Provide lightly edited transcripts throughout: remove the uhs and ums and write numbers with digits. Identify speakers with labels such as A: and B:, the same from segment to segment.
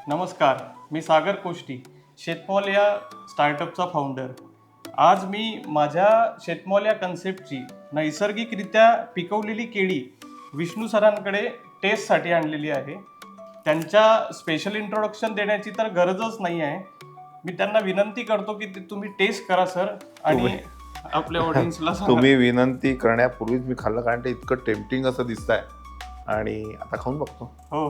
A: नमस्कार, मी सागर कोष्टी, शेतमॉल या स्टार्टअपचा फाउंडर. आज मी माझ्या शेतमॉल या कन्सेप्टची नैसर्गिकरित्या पिकवलेली केळी विष्णू सरांकडे टेस्टसाठी आणलेली आहे. त्यांच्या स्पेशल इंट्रोडक्शन देण्याची तर गरजच नाही आहे. मी त्यांना विनंती करतो की तुम्ही टेस्ट करा सर आणि आपल्या ऑडियन्सला सांगा.
B: तुम्ही विनंती करण्यापूर्वीच मी खाल्लं, कारण ते इतकं टेम्पटिंग असं दिसतंय. आणि आता खाऊन बघतो.
A: हो.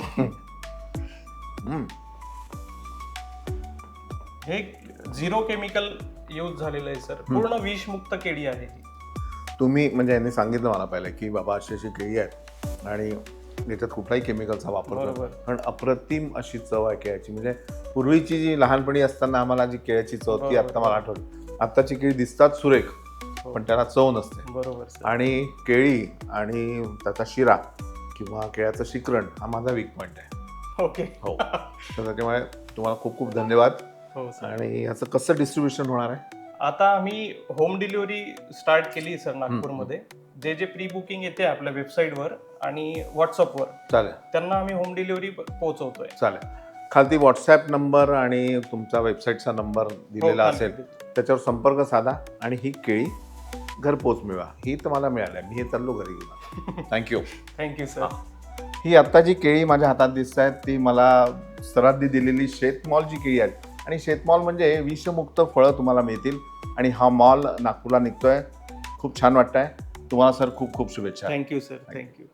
A: हे 0 केमिकल यूज झालेलं आहे सर. पूर्ण विषमुक्त केळी आहे ही.
B: तुम्ही म्हणजे यांनी सांगितलं मला पहिलं की बाबा अशी अशी केळी आहेत आणि याच्यात कुठलाही केमिकलचा वापर
A: बरोबर.
B: करतो, पण अप्रतिम अशी चव आहे केळ्याची. म्हणजे पूर्वीची जी लहानपणी असताना आम्हाला जी केळ्याची चव ती आता मला आठवली. आत्ताची केळी दिसतात सुरेख, पण त्याला चव नसते.
A: बरोबर सर.
B: आणि केळी आणि त्याचा शिरा किंवा केळ्याचं शिकरण हा माझा वीक पॉईंट आहे.
A: ओके.
B: हो. तर त्याच्यामुळे तुम्हाला खूप खूप धन्यवाद.
A: हो सर.
B: आणि याचं कसं डिस्ट्रीब्युशन होणार आहे?
A: आता आम्ही होम डिलिव्हरी स्टार्ट केली सर नागपूरमध्ये. जे जे प्री बुकिंग येते आपल्या वेबसाईटवर आणि व्हॉट्सअपवर,
B: चालेल
A: त्यांना आम्ही होम डिलिव्हरी पोहोचवतोय.
B: चालेल. खालती व्हॉट्सॲप नंबर आणि तुमचा वेबसाईटचा नंबर दिलेला
A: हो,
B: असेल, त्याच्यावर संपर्क साधा आणि ही केळी घरपोच मिळवा. ही तर मला मिळाली, मी हे चाललो घरी घेऊन. थँक्यू.
A: Thank you sir.
B: ही आत्ता जी केळी माझ्या हातात दिसत आहेत ती मला सरांनी दिलेली शेतमॉल जी केळी आहेत. आणि शेतमॉल म्हणजे विषमुक्त फळं तुम्हाला मिळतील. आणि हा मॉल नागपूरला निघतोय. खूप छान वाटतंय. तुम्हाला सर खूप खूप शुभेच्छा.
A: Thank you sir. थँक्यू.